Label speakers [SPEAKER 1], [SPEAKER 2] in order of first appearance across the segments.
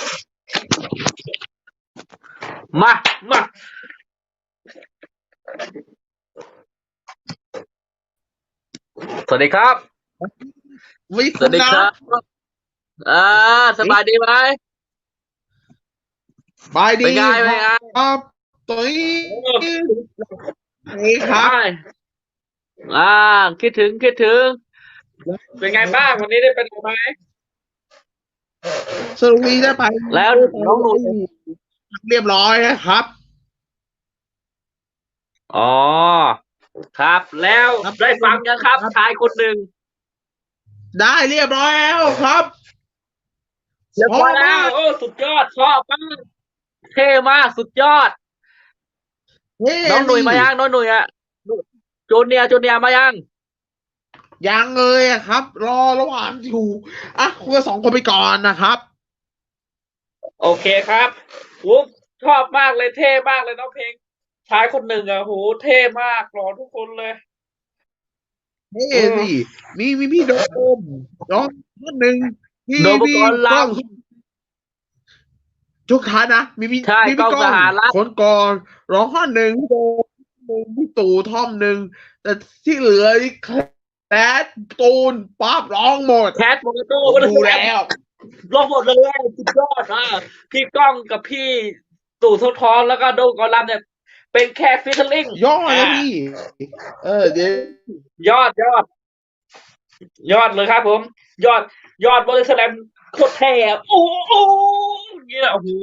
[SPEAKER 1] มามาสวัสดีครับ
[SPEAKER 2] วิ
[SPEAKER 1] สวัสดีครับ อ่าสบายดีไหม
[SPEAKER 2] บายดี
[SPEAKER 1] เป็นไง
[SPEAKER 2] ค
[SPEAKER 1] เป็นไง
[SPEAKER 2] รับตัวนี้
[SPEAKER 1] โอ้
[SPEAKER 2] นี่ครับ
[SPEAKER 1] ได้อ่าคิดถึงเป็นไงบ้างวันนี้ได้ไปไหนไหม
[SPEAKER 2] สรุปวีได้ไป
[SPEAKER 1] แล้วน้องหนุ่ย
[SPEAKER 2] เรียบร้อยนะครับ
[SPEAKER 1] อ๋อครับแล้ว
[SPEAKER 2] ครับ
[SPEAKER 1] ได้ฟังยังครับชายคนหนึ่ง
[SPEAKER 2] ได้เรียบร้อยแล้วครับ
[SPEAKER 1] เรียบ
[SPEAKER 2] พอ
[SPEAKER 1] ร้อยแล้
[SPEAKER 2] มาก
[SPEAKER 1] วโอ้สุดยอดชอบมากเท่มากสุดยอด
[SPEAKER 2] เฮ้
[SPEAKER 1] น้องหนุ่ย
[SPEAKER 2] สิ
[SPEAKER 1] มายังน้องหนุ่ยอะจูเนียร์มายัง
[SPEAKER 2] ยังเลยอะครับรอระหว่างอยู่อ่ะคุณสองคนไปก่อนนะครับ
[SPEAKER 1] โอเคครับโอ้ชอบมากเลยเท่มากเลยน้องเพลงชายคนหนึ่งอ่ะโหเท่มากหล่อทุกคนเลย
[SPEAKER 2] เฮ้
[SPEAKER 1] อื
[SPEAKER 2] สิ
[SPEAKER 1] ม
[SPEAKER 2] มีพี่โดมน้องคนหนึ่งที่
[SPEAKER 1] โดมป
[SPEAKER 2] พี่
[SPEAKER 1] กรณ์ล
[SPEAKER 2] กล้องทุกท่านนะมี
[SPEAKER 1] ำใช่กล้องส
[SPEAKER 2] พี่กล้อง
[SPEAKER 1] หรัฐ
[SPEAKER 2] คนก่อนร้องข้อหนึ่งพี่โดมหนึ่งพี่ตู่ท่อมหนึ่งแต่ที่เหลือนี่แคลสตูนป๊าบร้องหมด
[SPEAKER 1] แคทโมโต้
[SPEAKER 2] ผม
[SPEAKER 1] ก็ได้
[SPEAKER 2] ดูแล้ว
[SPEAKER 1] ลงหมดเลยสุดยอดพี่ก้องกับพี่ตู่ทศทอนแล้วก็โดมกอลำเนี่ยเป็นแค่ฟิชเชอร์ลิง
[SPEAKER 2] ยอด
[SPEAKER 1] อ่า
[SPEAKER 2] นะพี่เดี๋ยว
[SPEAKER 1] ยอดเลยครับผมยอดบริสแลมโคตรแท้โอ้โหอย่างเงี้ยโอ้โห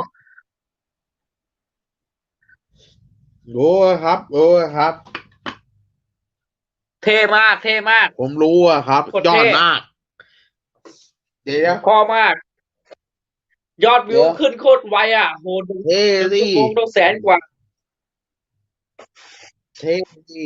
[SPEAKER 2] รู้ครับรู้ครับ
[SPEAKER 1] เท่มากเท่มาก
[SPEAKER 2] ผมรู้อะครับยอ
[SPEAKER 1] โคตรเท่
[SPEAKER 2] ดมากเดี๋ยว
[SPEAKER 1] พอมาก ยอดวิว
[SPEAKER 2] เดี๋ยว
[SPEAKER 1] ขึ้นโคตรไวโหหนึ่ง
[SPEAKER 2] เท่
[SPEAKER 1] หนึ่ง
[SPEAKER 2] สิ
[SPEAKER 1] ชั่วโมงต้องแสนกว่า
[SPEAKER 2] เท่สิ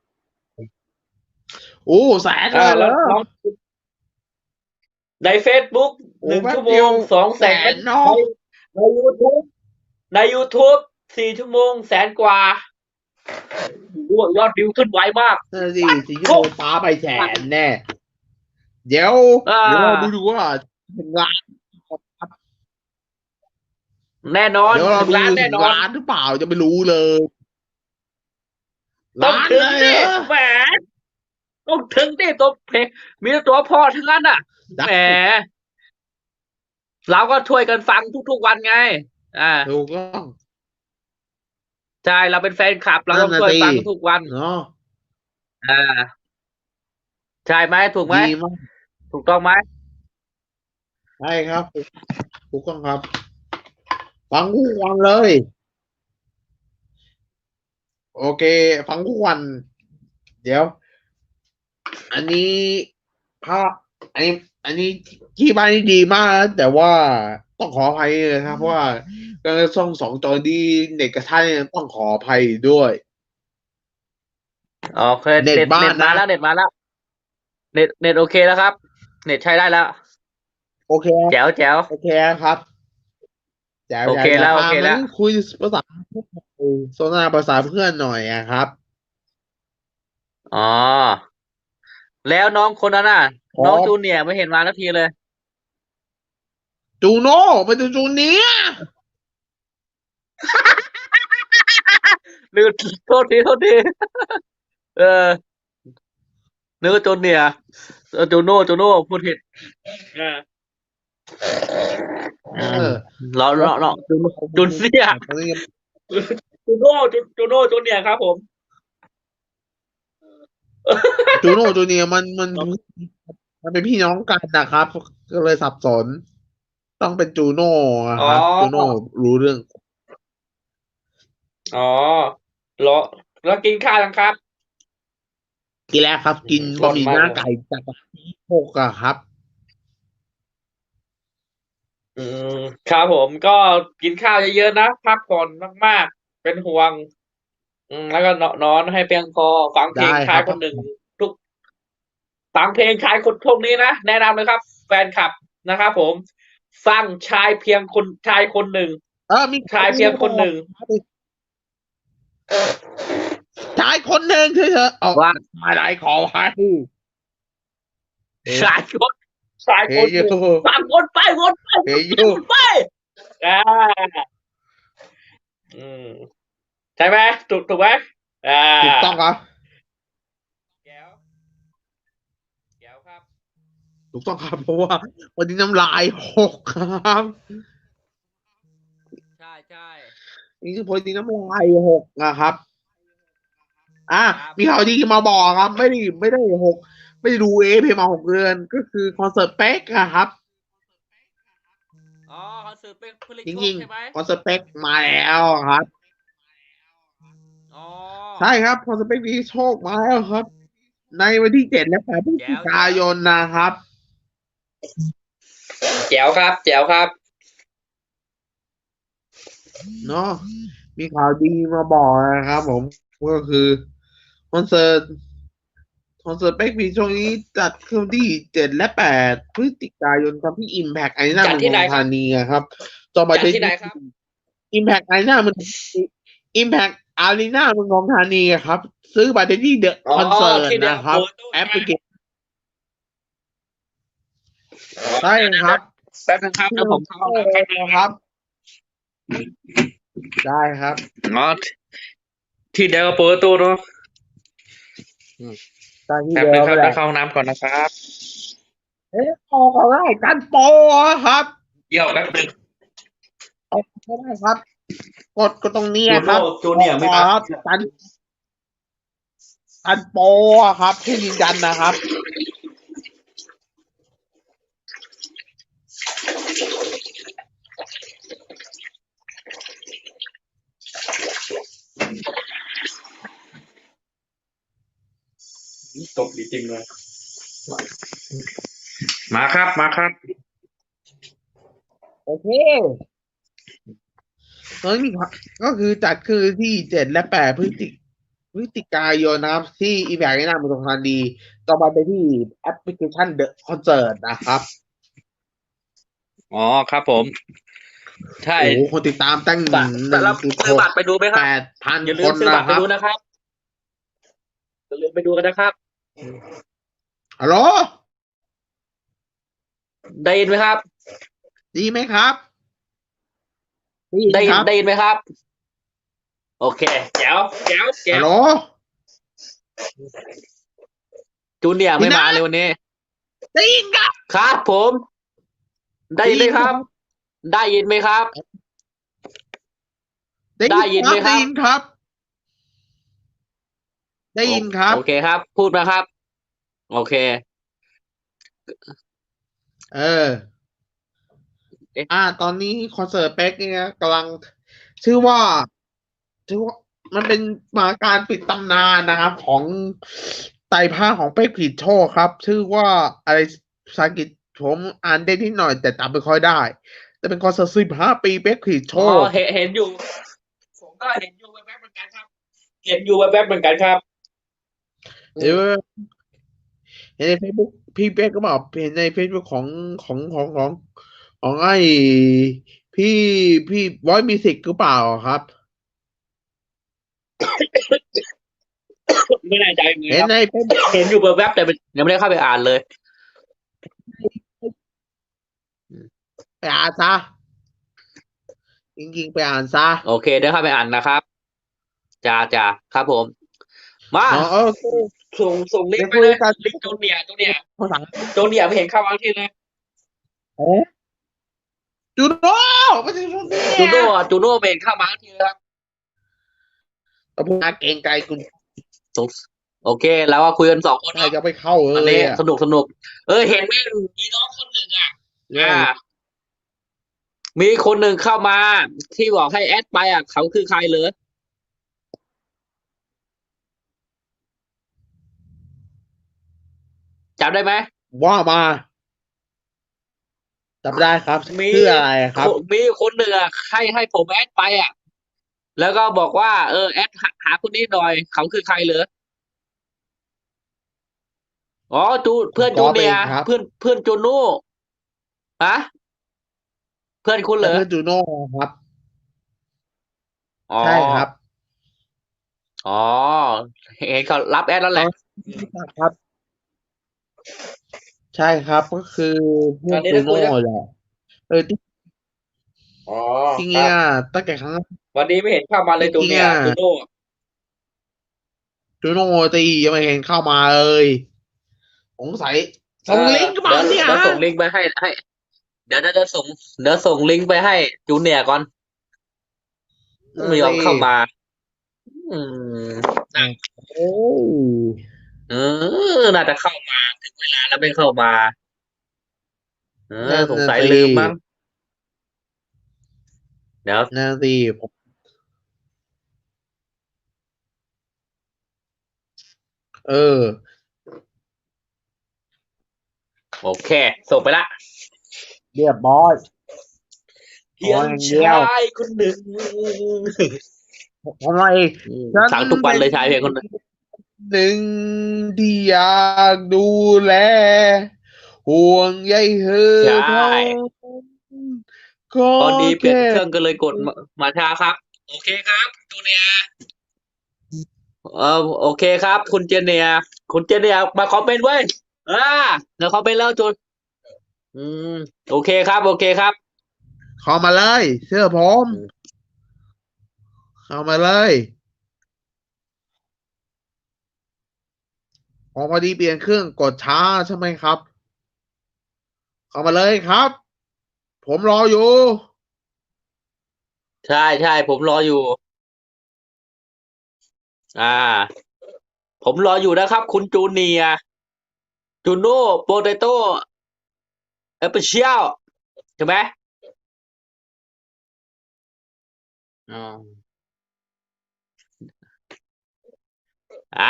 [SPEAKER 2] โอ้แสนเลยเหร
[SPEAKER 1] แล้ว
[SPEAKER 2] อ
[SPEAKER 1] น้องในเฟซบุ๊ก
[SPEAKER 2] โอ้
[SPEAKER 1] หนึ่งชั่วโมง
[SPEAKER 2] แป๊บเดียวแส
[SPEAKER 1] 200,000
[SPEAKER 2] นเนาะ
[SPEAKER 1] ในยูทูบใน YouTube 4 ชั่วโมงแสนกว่าโอ้ยอดวิวขึ้นไวมาก
[SPEAKER 2] นั่นสิสี่ชั่ว
[SPEAKER 1] โอ้
[SPEAKER 2] โมงป้าไปแสนแน่เดี๋ยว
[SPEAKER 1] อ่า
[SPEAKER 2] เราดูว่าถึงล้าน
[SPEAKER 1] แน่นอน
[SPEAKER 2] เดี๋ยวเรา
[SPEAKER 1] ถึง
[SPEAKER 2] ดู
[SPEAKER 1] ล้านแน่
[SPEAKER 2] ถึง
[SPEAKER 1] นอน
[SPEAKER 2] ล้านหรือเปล่าจะไม่รู้เลย
[SPEAKER 1] ต้อง
[SPEAKER 2] ล้าน
[SPEAKER 1] ถึงดิ
[SPEAKER 2] เลยเหรอ
[SPEAKER 1] แหมต้องถึงดิตัวเพลงมีแต่ตัวพ่อทั้งนั้นแห
[SPEAKER 2] ได้
[SPEAKER 1] มเราก็ช่วยกันฟังทุกๆวันไงอ่า
[SPEAKER 2] ถูกต้อง
[SPEAKER 1] ใช่เราเป็นแฟนคลับเรา
[SPEAKER 2] นั่น
[SPEAKER 1] ต้องช่วย
[SPEAKER 2] น่ะสิ
[SPEAKER 1] ฟังทุกวัน
[SPEAKER 2] เนาะ
[SPEAKER 1] อ่าใช่ไหมถูกไหม
[SPEAKER 2] ดีมาก
[SPEAKER 1] ถูกต้องไหม
[SPEAKER 2] ใช่ครับถูกต้องครับฟังทุกวันเลยโอเคฟังทุกวันเดี๋ยวอันนี้ภาพอันนี้อันนี้ที่บ้านนี่ดีมากนะแต่ว่าต้องขออภัยเลยครับเพราะว่าการส่องสองจอนี้เน็ตกระทันต้องขออภัยด้วย
[SPEAKER 1] โอเค
[SPEAKER 2] เน็ต
[SPEAKER 1] เน็ต
[SPEAKER 2] บ้านนะ
[SPEAKER 1] เน็ตมาแล้วเน็ตมาแล้วเน็ตโอเคแล้วครับเน็ตใช้ได้แล้ว
[SPEAKER 2] โอเค
[SPEAKER 1] แจ๋ว
[SPEAKER 2] โอเคครับแจ๋ว
[SPEAKER 1] โอเคแล้วโอเค
[SPEAKER 2] งั้น
[SPEAKER 1] แล้ว
[SPEAKER 2] คุยภาษาโซนาภาษาเพื่อนหน่อยอะครับ
[SPEAKER 1] อ๋อแล้วน้องคนนั้น
[SPEAKER 2] ขอ
[SPEAKER 1] น้องจูเนียร์ไม่เห็นมาสักทีเลย
[SPEAKER 2] จูโน่ไปดูจูเนียร์
[SPEAKER 1] ลืมโทษทีเออนึกว่าจูเนียร์จูโน่พูดผิดเออ
[SPEAKER 2] เอ
[SPEAKER 1] อืม
[SPEAKER 2] อ
[SPEAKER 1] เราจูเนียร์
[SPEAKER 2] ตอนนี้
[SPEAKER 1] จูโน่จูเนียร์ครับผม
[SPEAKER 2] จูโน่จูเนียร์มันเป็นพี่น้องกันนะครับก็เลยสับสนต้องเป็นจูโน่อะ
[SPEAKER 1] อ๋อ
[SPEAKER 2] ครับจูโน่รู้เรื่อง
[SPEAKER 1] อ๋อเหรอแล้วกินข้าวยังครับ
[SPEAKER 2] กินแล้วครับกิน
[SPEAKER 1] หล่
[SPEAKER 2] บะหมี่หน้า
[SPEAKER 1] นมากเลย
[SPEAKER 2] ไก่จากที่โคกอะครับ
[SPEAKER 1] อืมครับผมก็กินข้าวเยอะๆนะพักผ่อนมากๆเป็นห่วงแล้วก็นอนให้เพียงพอฟังเพล
[SPEAKER 2] ได้
[SPEAKER 1] งชายคนหนึ่ง
[SPEAKER 2] ครับ
[SPEAKER 1] ทุกฟังเพลงชายคนพวกนี้นะแนะนำเลยครับแฟนคลับนะครับผมฟังชายคนหนึ่ง
[SPEAKER 2] มี
[SPEAKER 1] ชายเพียงคนหนึ่ง
[SPEAKER 2] ชายคนหนึ่งเฉยๆออก
[SPEAKER 1] ว่า
[SPEAKER 2] มาได้ขอให้
[SPEAKER 1] ชายคนสายค
[SPEAKER 2] เฮย
[SPEAKER 1] น
[SPEAKER 2] อยู่
[SPEAKER 1] สามคนไปวนไป
[SPEAKER 2] เฮยอยู่
[SPEAKER 1] วนไปอ่าอืมใช่ไหมถูกไหมอ่า
[SPEAKER 2] ถูกต้องครับ
[SPEAKER 1] แก้วแก้วครับ
[SPEAKER 2] ถูกต้องครับเพราะว่าวันนี้น้ำลายหกครับ
[SPEAKER 1] ใช่ใช่
[SPEAKER 2] นี่คือวันนี้น้ำลายหกนะครับ
[SPEAKER 1] ครับ
[SPEAKER 2] มีข่าวดีมาบอกครับไม่ได้หกไม่ได้ดูเพมา6 เดือนก็คือคอนเสิร์ตเป๊กอะครับ
[SPEAKER 1] อ๋อคอนเสิร์ตเป็นผลิต
[SPEAKER 2] จริง
[SPEAKER 1] โชคใช่ไหม
[SPEAKER 2] ๆคอนเสิร์ตเป๊กมาแล้วครับ
[SPEAKER 1] อ๋อ
[SPEAKER 2] ใช่ครับคอนเสิร์ตเป๊กมีโชคมาแล้วครับในวันที่7 และ 8 พฤศ
[SPEAKER 1] แจ๋
[SPEAKER 2] จิกา
[SPEAKER 1] วแจ๋ว
[SPEAKER 2] ยนนะครับ
[SPEAKER 1] แจ๋วครับแจ๋วครับ
[SPEAKER 2] เนาะมีข่าวดีมาบอกนะครับผมก็คือคอนเสิร์ตคอนเสิร์ตเป๊กมีช่วงนี้จัดขึ้นที่7 และ 8 พฤศจิกายนครับที่ Impact Arena
[SPEAKER 1] จัด
[SPEAKER 2] เมืองทองธา
[SPEAKER 1] ที่ไหนครับ
[SPEAKER 2] นีครับจองบัตร
[SPEAKER 1] จัด
[SPEAKER 2] ได้ที่
[SPEAKER 1] ที่ไหนครับ
[SPEAKER 2] Impact Arena มัน Impact Arena เมืองทองธานีครับซื้อบัตรได้ที่เดอะ
[SPEAKER 1] อ๋อ
[SPEAKER 2] คอนเสิร์ต
[SPEAKER 1] ที่เดียว
[SPEAKER 2] นะครับ
[SPEAKER 1] โปรตู้ใช่ไหม
[SPEAKER 2] แอปพลิเคชัน
[SPEAKER 1] อ๋อ
[SPEAKER 2] ใช่ครับ
[SPEAKER 1] แป๊บนึงครับ
[SPEAKER 2] ที่
[SPEAKER 1] แล้วผมเข้าห้องน้ำแป๊บนึง
[SPEAKER 2] นะครับได้ครับ
[SPEAKER 1] อ๋อที่เดียวกับโปรตู้เนาะ
[SPEAKER 2] ได้ที่
[SPEAKER 1] แป๊บ
[SPEAKER 2] เดียวก็ได้
[SPEAKER 1] นึงครับเดี๋ยวเข้าห้องน้ำก่อนนะครับ
[SPEAKER 2] ออกก็ได้กันโปรครับ
[SPEAKER 1] เดี๋ยวแป๊บนึง
[SPEAKER 2] ออกก็ได้ครับกดตรงนี้
[SPEAKER 1] จูโน่
[SPEAKER 2] ครับ
[SPEAKER 1] จูเนียร์ไม่มา
[SPEAKER 2] ครับกันโปรครับให้ยืนยันนะครับ
[SPEAKER 1] ตกดีจริงเลยมาครับมาครับ
[SPEAKER 2] โอเคตอนนี้ก็คือจัดคือที่7 และ 8 พฤศจิกายนนะครับที่อีแบกในนามเมืองทองธานีต่อมาไปที่แอปพลิเคชันเดอะคอนเสิร์ตนะครับ
[SPEAKER 1] อ๋อครับผมใช่
[SPEAKER 2] โอ้โหคนติดตามตั้ง
[SPEAKER 1] บัตร
[SPEAKER 2] หนึ่ง
[SPEAKER 1] แล้ว
[SPEAKER 2] จุดหก
[SPEAKER 1] ซื้อบัตรไปดูไหมค
[SPEAKER 2] แป
[SPEAKER 1] รับ
[SPEAKER 2] ดพัน
[SPEAKER 1] อย่า
[SPEAKER 2] ค
[SPEAKER 1] ลืมซื้อบัตรไป
[SPEAKER 2] นนะครับ
[SPEAKER 1] ดูนะครับอย่าลืมไปดูกันนะครับ
[SPEAKER 2] ฮัลโหล
[SPEAKER 1] ได้ยินไหมครับ
[SPEAKER 2] ดีไหมครับได้ยิน
[SPEAKER 1] ได้ยิน
[SPEAKER 2] ครับ
[SPEAKER 1] ได้ยินไหมครับโอเคแจ๋วแจ๋วแจ๋ว
[SPEAKER 2] ฮัลโหล
[SPEAKER 1] จูเนียร์ไม่
[SPEAKER 2] พี่นะ
[SPEAKER 1] มาเลยวันนี้
[SPEAKER 2] ได้ยินครับ
[SPEAKER 1] ครับผมได้ยินไหมครับได้ยินไหมครับ
[SPEAKER 2] ได้
[SPEAKER 1] ได้
[SPEAKER 2] ยินครับได้
[SPEAKER 1] ยินไหมครับ
[SPEAKER 2] ยินครับได้
[SPEAKER 1] โอ
[SPEAKER 2] ยินครับ
[SPEAKER 1] โอเคครับพูดมาครับโอเค
[SPEAKER 2] เออ
[SPEAKER 1] เอ๊ะ
[SPEAKER 2] ตอนนี้คอนเสิร์ตเป๊กเนี่ยกำลังชื่อว่าชื่อว่ามันเป็นมาการปิดตำนานนะครับของไตรภาคของเป๊กผลิตโชคครับชื่อว่าอะไรภาษาอังกฤษผมอ่านได้นิดหน่อยแต่จำไม่ค่อยได้จะเป็นคอนเสิร์ต15 ปีเป๊กผลิตโช
[SPEAKER 1] อ๋อ
[SPEAKER 2] ค
[SPEAKER 1] เห็นอยู่ผมก็เห็นอยู่แวบๆเหมือนกันครับเห็นอยู่แวบๆเหมือนกันครับอื
[SPEAKER 2] เดี๋ยว
[SPEAKER 1] ม
[SPEAKER 2] เห็นในเฟซบุ๊กพี่เป๊กก็บอกเห็นในเฟซบุ๊กของไอ้พี่พี่บอยมิวสิกหรือเปล่าครับ
[SPEAKER 1] ไม่แน่ใจเหมือนกันครับ
[SPEAKER 2] เห็นในเฟซบุ๊ก
[SPEAKER 1] เห็นอยู่แวบๆแต่ยังไม่ได้เข้าไปอ่านเลย
[SPEAKER 2] ไปอ่านซะจริงๆไปอ่านซะ
[SPEAKER 1] โอเคเดี๋ยวเข้าไปอ่านนะครับจ้าครับผมมา
[SPEAKER 2] เนาะโอเค
[SPEAKER 1] ส่งลิง
[SPEAKER 2] เดี๋ยว
[SPEAKER 1] ก์ไปเลย
[SPEAKER 2] คุยกัน
[SPEAKER 1] ลิงก์โจเนียร์
[SPEAKER 2] ภาษา
[SPEAKER 1] โจเนียร์ไม่เห็นเข้ามาที่เลย
[SPEAKER 2] เอ๊ะจูโน่ไม่ใช่จูเนีย
[SPEAKER 1] จูโน่จูโน่ไม่เห็นเข้ามาที่เลยครับ
[SPEAKER 2] เราพูดเกรงใจคุณ
[SPEAKER 1] สงโอเคแล้วก็คุยกัน2 คน
[SPEAKER 2] ใคร
[SPEAKER 1] เนาะ
[SPEAKER 2] จะไปเข้าเล
[SPEAKER 1] อันนี้
[SPEAKER 2] ยอ่ะ
[SPEAKER 1] สนุกเห็นมีน้องคนหนึ่ง
[SPEAKER 2] เรื่อ
[SPEAKER 1] อ่า
[SPEAKER 2] ง
[SPEAKER 1] มีคนหนึ่งเข้ามาที่บอกให้แอดไปเขาคือใครเลยจำได้ไหม
[SPEAKER 2] ว่ามาจำได้ครับ
[SPEAKER 1] มี
[SPEAKER 2] ชื่ออะไรครับ
[SPEAKER 1] มีคนหนึ่งให้ผมแอดไปแล้วก็บอกว่าแอดหาคนนี้หน่อยเขาคือใครเหรออ๋อเพื่อนจู
[SPEAKER 2] ก๊อฟ
[SPEAKER 1] เนียร์
[SPEAKER 2] เองครับ
[SPEAKER 1] เพื่อนจูโน่ฮะเพื่อนคุณเหรอ
[SPEAKER 2] และเพื่อนจูโน่ครับ
[SPEAKER 1] อ๋อ
[SPEAKER 2] ใช่ครับ
[SPEAKER 1] อ๋อเห็นเขารับแอดแล้วแห
[SPEAKER 2] เขา
[SPEAKER 1] ละ
[SPEAKER 2] รู้จักครับใช่ครับก็คือพว
[SPEAKER 1] อันนี้
[SPEAKER 2] กจูโน่
[SPEAKER 1] ถ้าคุยนะ
[SPEAKER 2] แหละที่
[SPEAKER 1] อ๋อ
[SPEAKER 2] จริง
[SPEAKER 1] ครับ
[SPEAKER 2] ๆตั้งแต่ครั้ง
[SPEAKER 1] วันนี้ไม่เห็นเข้ามาเลยจูเนีย
[SPEAKER 2] จริงๆ
[SPEAKER 1] ร์จูโน่
[SPEAKER 2] จูโน่ตียังไม่เห็นเข้ามาเลยสงสัย
[SPEAKER 1] เออ
[SPEAKER 2] ส่งลิงก์มา
[SPEAKER 1] เดี๋ยว
[SPEAKER 2] เนี่ยฮะ
[SPEAKER 1] เดี๋ยวส่งลิงก์ไปให้เดี๋ยวส่งลิงก์ไปให้จูเนียร์ก่อนไม่ยอม
[SPEAKER 2] สิ
[SPEAKER 1] เข้ามาอืม
[SPEAKER 2] โอ้ย
[SPEAKER 1] เออน่าจะเข้ามาถึงเวลาแล้วไม่เข้ามา
[SPEAKER 2] นั่น
[SPEAKER 1] สงสัย
[SPEAKER 2] น่ะสิ
[SPEAKER 1] ลืมมั้งเดี๋ยว
[SPEAKER 2] นั่นสิผมเออ
[SPEAKER 1] โอเคส่งไปละ
[SPEAKER 2] เรียบร้อยขอ
[SPEAKER 1] เพียง
[SPEAKER 2] อย่างเดี
[SPEAKER 1] ช
[SPEAKER 2] ยว
[SPEAKER 1] ายคนหนึ่ง
[SPEAKER 2] ทำไมฉัน
[SPEAKER 1] ฟังทุกวัน
[SPEAKER 2] เป็น
[SPEAKER 1] เลยชายเพลงคนหนึ่ง
[SPEAKER 2] หนึ่งที่อยากดูแลห่วงใยเธอ
[SPEAKER 1] ใช่
[SPEAKER 2] เท่าก็
[SPEAKER 1] พอดีเปลี่ยน
[SPEAKER 2] แค่
[SPEAKER 1] เครื่องก็เลยกดมาช้าครับโอเคครับจูเนียร์โอเคครับคุณเจเนียร์คุณเจเนียร์มาคอมเมนต์ไว้ยอ่าเดี๋ยวคอมเมนต์แล้วจูนอืมโอเคครับโอเคครับ
[SPEAKER 2] เข้ามาเลยเชื่อผม
[SPEAKER 1] อืม
[SPEAKER 2] เข้ามาเลยพอดีเปลี่ยนเครื่องกดช้าใช่ไหมครับเข้ามาเลยครับผมรออยู่
[SPEAKER 1] ใช่ใช่ผมรออยู่อ่าผมรออยู่นะครับคุณจูเนียร์จูโน่โปเตโต้เอเปเชียลใช่ไหมอ๋ออ่า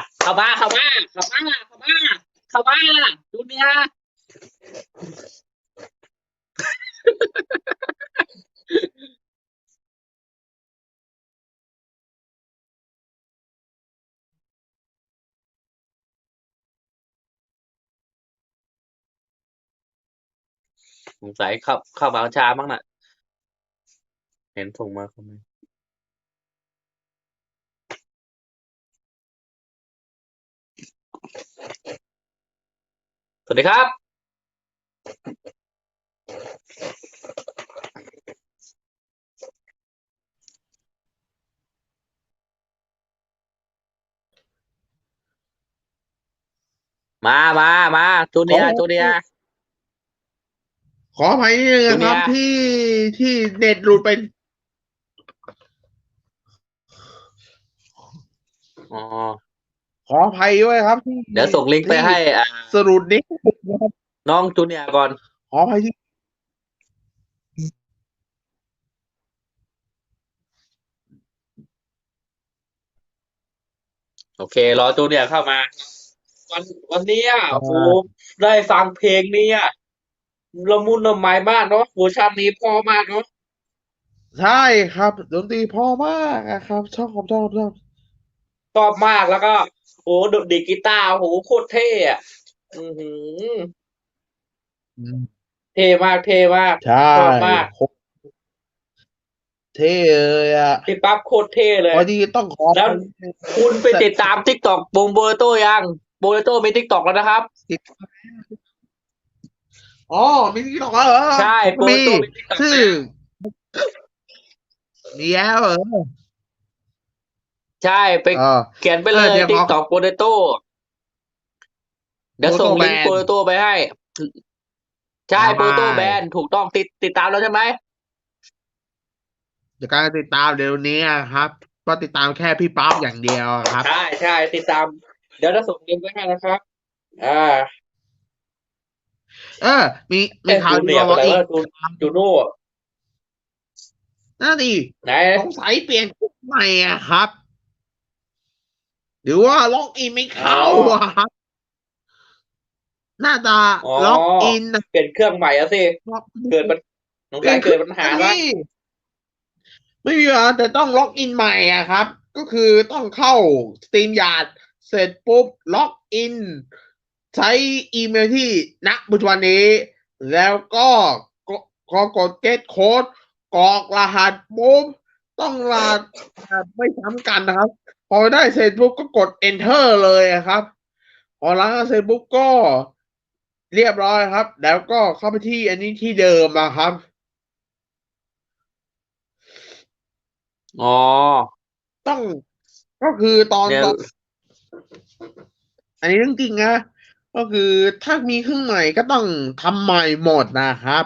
[SPEAKER 1] เข้ามาจูเนียร์ สงสัยเข้ามาช้ามั้งน่ะเห็นส่งมาคอมเมนต์สวัสดีครับมาจู
[SPEAKER 2] ขอ
[SPEAKER 1] เนียร์จูเนียร์
[SPEAKER 2] ขออภัยนิดนึง
[SPEAKER 1] จู
[SPEAKER 2] นะครับ
[SPEAKER 1] เนียร์
[SPEAKER 2] ที่เน็ตหลุดไป
[SPEAKER 1] อ๋อ
[SPEAKER 2] ขออภัยด้วยครับ
[SPEAKER 1] เดี๋ยวส่งลิงก์ไป
[SPEAKER 2] ที่
[SPEAKER 1] ให้
[SPEAKER 2] สรุปนี้นะครับ
[SPEAKER 1] น้องจูเนียร์ก่อน
[SPEAKER 2] ขออภัยที่
[SPEAKER 1] โอเครอจูเนียร์เข้ามาวันวันเนี้ย
[SPEAKER 2] อ่
[SPEAKER 1] โอ้โห
[SPEAKER 2] า
[SPEAKER 1] ได้ฟังเพลงเนี้ยละมุนละไมมากเนาะเวอร์ชันนี้เพอมากเนาะ
[SPEAKER 2] ใช่ครับดนตรีเพอมากอะครับชอบ
[SPEAKER 1] ชอบมากแล้วก็โอ้โหดีดกีตาร์โอ้โหโคตรเท่อะอือหือ
[SPEAKER 2] อืม
[SPEAKER 1] เท่มากเท่มาก
[SPEAKER 2] ใช่
[SPEAKER 1] ชอบมาก
[SPEAKER 2] โคตรเท่เลยอะ
[SPEAKER 1] พี่ปั๊บโคตรเท่เลย
[SPEAKER 2] พอดีต้องขอ
[SPEAKER 1] แล้ว
[SPEAKER 2] ไป
[SPEAKER 1] คุณไป
[SPEAKER 2] เสร็จ
[SPEAKER 1] ติดตาม TikTok วงโบเลโต้ยังโบเลโต้มี TikTok แล้วนะครับ
[SPEAKER 2] ติดอ๋อมีที่ต่อเหรอ
[SPEAKER 1] ใช่
[SPEAKER 2] ผมก็มี
[SPEAKER 1] โบเลโต้มี TikTok
[SPEAKER 2] ชื่อ
[SPEAKER 1] แล้ว
[SPEAKER 2] มีแล้วเหรอ
[SPEAKER 1] ใช่ไป
[SPEAKER 2] เออ
[SPEAKER 1] เขียนไปเลย
[SPEAKER 2] เดี๋ยวขอ
[SPEAKER 1] TikTok โบเลโต้เดี๋ยว
[SPEAKER 2] โมโตแบ
[SPEAKER 1] ส่งลิงก์โบ
[SPEAKER 2] น
[SPEAKER 1] เลโต้ไปให้ใช่
[SPEAKER 2] ได
[SPEAKER 1] โบเลโต้แบน้ถูกต้องติดตามแล้วใช่ไหม
[SPEAKER 2] เดี๋ยวการติดตามเดี๋ยวนี้ครับก็ติดตามแค่พี่ป๊อปอย่างเดียวครับ
[SPEAKER 1] ใช่ติดตามเดี๋ยวจะส่งลิงก์ไปให้นะครับอ่า
[SPEAKER 2] เออมีมีข่าว
[SPEAKER 1] จู
[SPEAKER 2] ดีมาบอกอีก
[SPEAKER 1] เนียร์ไปไหนวะจูโน่
[SPEAKER 2] นั่นดิ
[SPEAKER 1] ไหน
[SPEAKER 2] สงสัยเปลี่ยนชุดใหม่อะครับหรือว่าล็อกอินไม่
[SPEAKER 1] อ๋อ
[SPEAKER 2] เข้าอะครับน่าจะ
[SPEAKER 1] อ๋อ
[SPEAKER 2] ล็อกอิน
[SPEAKER 1] เปลี่ยนเครื่องใหม่อะสิ
[SPEAKER 2] ล็อก
[SPEAKER 1] เกิดปัญสง
[SPEAKER 2] เปลี่
[SPEAKER 1] สัยเกิด
[SPEAKER 2] ยนเครื่อง
[SPEAKER 1] ปัญหาละ
[SPEAKER 2] นะพี่ไม่มีปัญหาแต่ต้องล็อกอินใหม่อะครับก็คือต้องเข้าสตรีมยาร์ดเสร็จปุ๊บล็อกอินใช้อีเมลที่ณปัจจุบันนี้แล้วก็กกด get code กรอกรหัสปุ๊บต้องรหัสไม่ซ้ำกันนะครับพอได้เสร็จปุ๊บก็กด enter เลยอะครับพอล้างเสร็จปุ๊บก็เรียบร้อยครับ แล้วก็เข้าไปที่อันนี้ที่เดิมนะครับ
[SPEAKER 1] อ๋อ
[SPEAKER 2] ต้องก็คือตอน
[SPEAKER 1] เนี่ย
[SPEAKER 2] ตอนอันนี้เรื่องจริงนะก็คือถ้ามีเครื่องใหม่ก็ต้องทำใหม่หมดนะครับ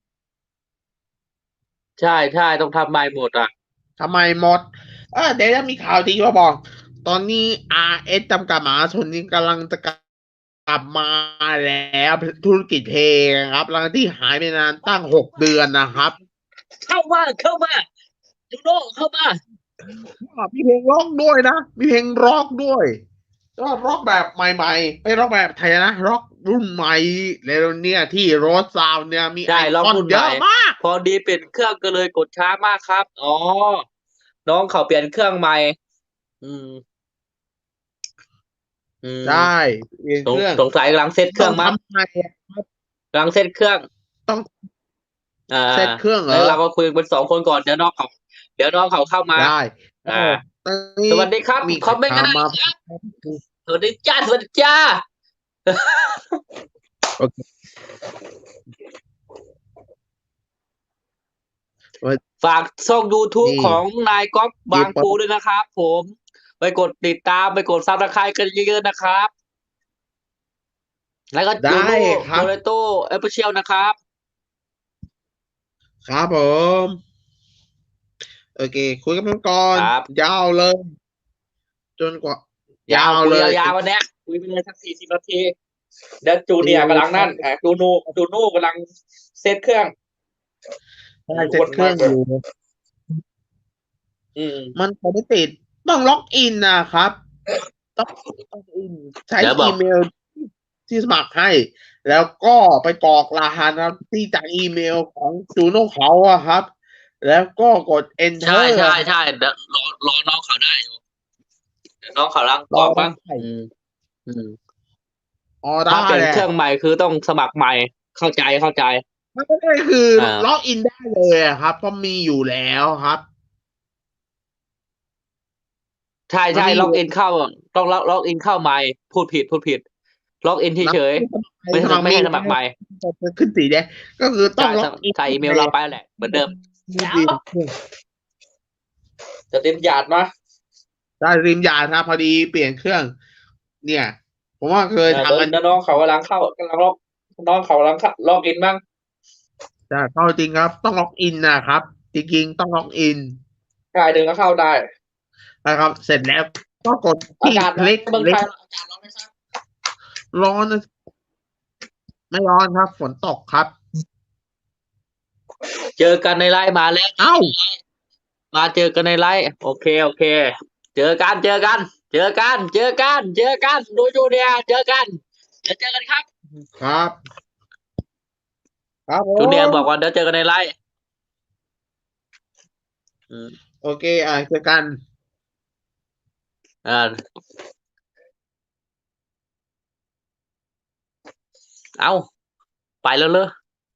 [SPEAKER 1] ใช่ใช่ต้องทำใหม่หมดอ่ะ
[SPEAKER 2] ทำไมหมดเดี๋ยวจะมีข่าวดีมาบอก ตอนนี้ RS จำกัดมหาชนนี้กำลังจะกลับมาแล้วธุรกิจเพลงครับหลังที่หายไปนานตั้ง6 เดือนนะครับ
[SPEAKER 1] เข้ามาจูโน่เข้ามา
[SPEAKER 2] มีเพลงร็อกด้วยนะ มีเพลงร็อกด้วยก็ร็อกแบบใหม่ๆไม่ร็อกแบบไทยนะร็อกรุ่นใหม่แล้วเนี่ยที่โรสซาวเนี่ยมีไอ
[SPEAKER 1] ใช่ล็
[SPEAKER 2] คอน
[SPEAKER 1] อกรุ่นใหม่
[SPEAKER 2] เยอะมาก
[SPEAKER 1] พอดีเปลี่ยนเครื่องก็เลยกดช้ามากครับอ๋อน้องเขาเปลี่ยนเครื่องใหม่อืมอื
[SPEAKER 2] ใช่
[SPEAKER 1] ม
[SPEAKER 2] เปลี่ยน
[SPEAKER 1] สง
[SPEAKER 2] เครื่อง
[SPEAKER 1] สงสัยกำลังเซตเค
[SPEAKER 2] ต้อง
[SPEAKER 1] รื่องมั้ง
[SPEAKER 2] ทำใหม่ครับ
[SPEAKER 1] กำลังเซตเครื่อง
[SPEAKER 2] ต้อง
[SPEAKER 1] อ่า
[SPEAKER 2] เซตเครื่องเหรอ
[SPEAKER 1] แล้วเราก็คุยกัน2 คนก่อนเดี๋ยวน้องเขาเข้ามา
[SPEAKER 2] ได้
[SPEAKER 1] อ่า
[SPEAKER 2] ก็ตอนนี้
[SPEAKER 1] สวัสดีครับ
[SPEAKER 2] มี
[SPEAKER 1] คอมเมนต์กันได้
[SPEAKER 2] ข่าวมา
[SPEAKER 1] ครับสวัสดีจ้าสวัสดีจ้า
[SPEAKER 2] โอเควัน
[SPEAKER 1] ฝากช่อง YouTube
[SPEAKER 2] นี้
[SPEAKER 1] ของนายก๊อฟบาง
[SPEAKER 2] กีเปิด
[SPEAKER 1] ปูด้วยนะครับผมไปกดติดตามไปกดซับสไครต์กันเยอะๆนะครับแล้วก็จู
[SPEAKER 2] ได้
[SPEAKER 1] โน่
[SPEAKER 2] ครับ
[SPEAKER 1] โดเรโต้เอฟเชียลนะครับ
[SPEAKER 2] ครับผมโอเคคุยกันก่อน
[SPEAKER 1] ครับ
[SPEAKER 2] ยาวเลยจนกว่า
[SPEAKER 1] ยาวคุย
[SPEAKER 2] ยาวเลย
[SPEAKER 1] ยาวๆวันเนี้ยคุยไปเลยสัก40 นาทีเดี๋ยวจู
[SPEAKER 2] ดี
[SPEAKER 1] เนียร์กำลังนั่น
[SPEAKER 2] เลย
[SPEAKER 1] จูโน่กำลังเซตเครื่อง
[SPEAKER 2] ได้
[SPEAKER 1] ทุกคน
[SPEAKER 2] เซ็ตเครื่
[SPEAKER 1] มากเลย
[SPEAKER 2] องอยู่
[SPEAKER 1] อืม
[SPEAKER 2] มันไม่ติดต้องล็อกอินนะครับต้องล็อกอินใช้
[SPEAKER 1] เดี๋ยวบอก
[SPEAKER 2] อีเมลที่สมัครให้แล้วก็ไปกรอกรหัสนะครับที่จากอีเมลของจูโน่เขาอะครับแล้วก็กด
[SPEAKER 1] ใช่
[SPEAKER 2] enter
[SPEAKER 1] ใช่
[SPEAKER 2] ครับ
[SPEAKER 1] ใช่เดี๋ยวรอน้องเขาได้อยู่เดี๋ยวน้องเขากำลัง
[SPEAKER 2] รอได้
[SPEAKER 1] กรอกบ้างอืม
[SPEAKER 2] อ๋อได้
[SPEAKER 1] ถ้าเปลี่ยน
[SPEAKER 2] แหละ
[SPEAKER 1] เครื่องใหม่คือต้องสมัครใหม่เข้าใจ
[SPEAKER 2] มันก็ได้คือ
[SPEAKER 1] อ่า
[SPEAKER 2] ล็อกอินได้เลยอะครับเพราะมีอยู่แล้วครับ
[SPEAKER 1] ใช่ใช่
[SPEAKER 2] มันมีอยู่
[SPEAKER 1] ล็อกอินเข้าต้องล็อกอินเข้าใหม่พูดผิดล็อกอิน
[SPEAKER 2] นับ
[SPEAKER 1] เฉยๆไม่ใช่
[SPEAKER 2] สมัคร
[SPEAKER 1] ไม่
[SPEAKER 2] มีแล้ว
[SPEAKER 1] ใช่สมัครใหม่
[SPEAKER 2] จะขึ้นสีแดงก็คือต้อ
[SPEAKER 1] ใช่
[SPEAKER 2] งล็อกอิน
[SPEAKER 1] ใส่อีเมลเราไปแหละเหมือนเดิม
[SPEAKER 2] มือ
[SPEAKER 1] เดี๋ยว
[SPEAKER 2] ดีของเครื่อง
[SPEAKER 1] จะเต็มหยาดมา
[SPEAKER 2] ได้ริมยานครับพอดีเปลี่ยนเครื่องเนี่ยผมว่าเคย
[SPEAKER 1] เดี๋ยว
[SPEAKER 2] ทำอัน
[SPEAKER 1] น้องเขากำลังล็อกน้องเขากำลังล็อกอินบ้าง
[SPEAKER 2] แต่เข้าจริงครับต้องล็อกอินนะครับจริงๆต้องล็อกอิน
[SPEAKER 1] กายหนึ่งก็เข้าได้
[SPEAKER 2] นะครับเสร็จแล้วก็กดที่
[SPEAKER 1] อากาศร้อน
[SPEAKER 2] คลิก
[SPEAKER 1] เมืองไท
[SPEAKER 2] ลิก
[SPEAKER 1] ยอากาศร้อนไหมครับ
[SPEAKER 2] ร้อนนะไม่ร้อนครับฝนตกครับ
[SPEAKER 1] เจอกันในไลน์มาแล้ว
[SPEAKER 2] เอ้า
[SPEAKER 1] มาเจอกันในไลน์โอเคเจอกันดูจูเนียร์เจอกันเดี๋ยวเจอกันครับ
[SPEAKER 2] ครับครับผ
[SPEAKER 1] จูเนียร์บอกว่า
[SPEAKER 2] ม
[SPEAKER 1] เดี๋ยวเจอกันในไลฟ์อืม
[SPEAKER 2] โอเคเจอกัน
[SPEAKER 1] อ่าเอาไปแล้วเลย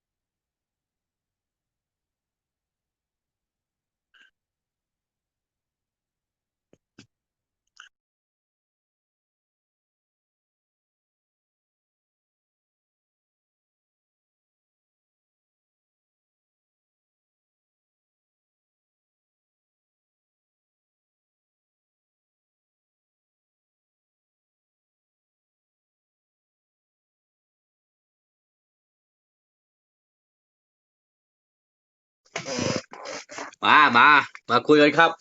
[SPEAKER 1] มาคุยกันครับ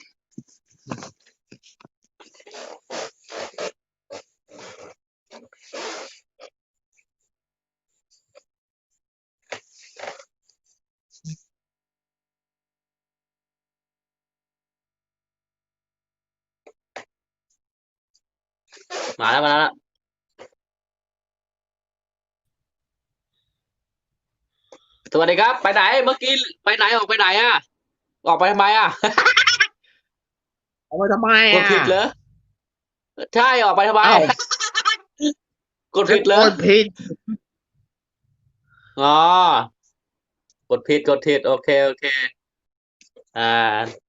[SPEAKER 1] มาแล้วสวัสดีครับไปไหนเมื่อกี้ไปไหนออกไปไหนอ่ะออกไปทำไมอ่ะ
[SPEAKER 2] เอาไปทำไม
[SPEAKER 1] กดผิดเหรอใช่ออกไปทำไม
[SPEAKER 2] เอ้า
[SPEAKER 1] กดผิดเหรอ
[SPEAKER 2] คนผิด
[SPEAKER 1] อ๋อกดผิดโอเคอ่า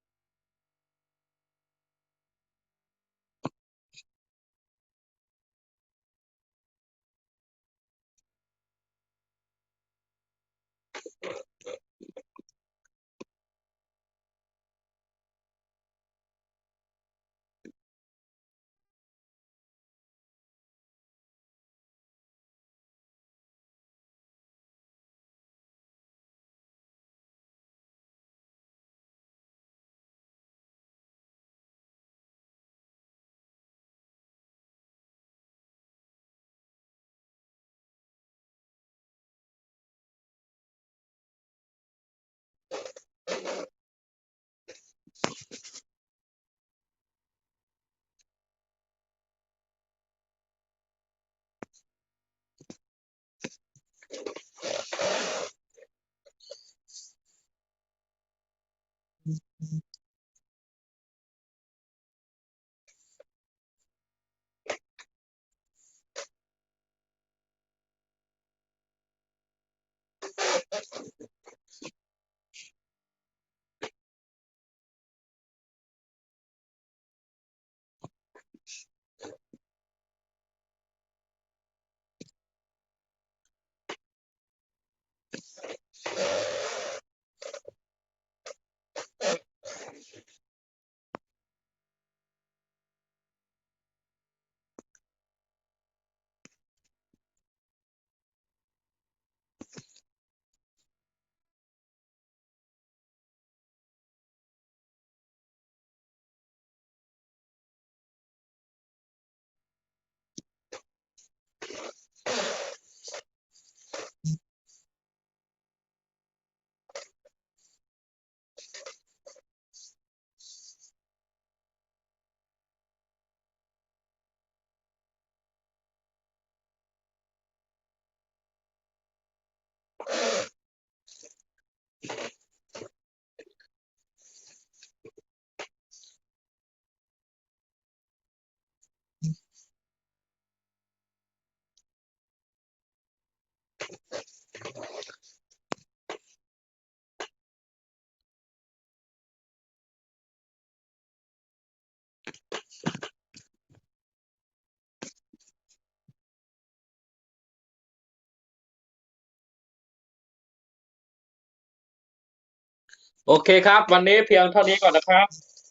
[SPEAKER 1] โอเคครับ วันนี้เพียงเท่านี้ก่อนนะครับ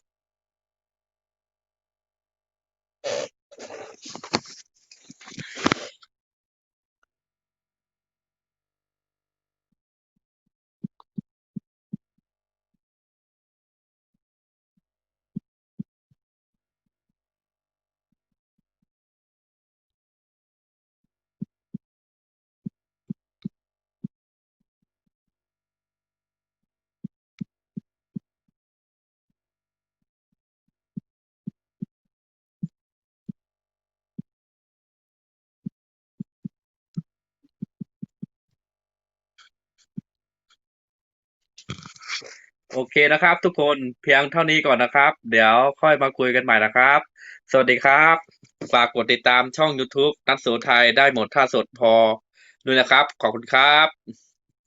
[SPEAKER 1] โอเคนะครับทุกคนเพียงเท่านี้ก่อนนะครับเดี๋ยวค่อยมาคุยกันใหม่นะครับสวัสดีครับฝากกดติดตามช่อง YouTube นัทโสไทยได้หมดท่าสดพอด้วยนะครับขอบคุณครับ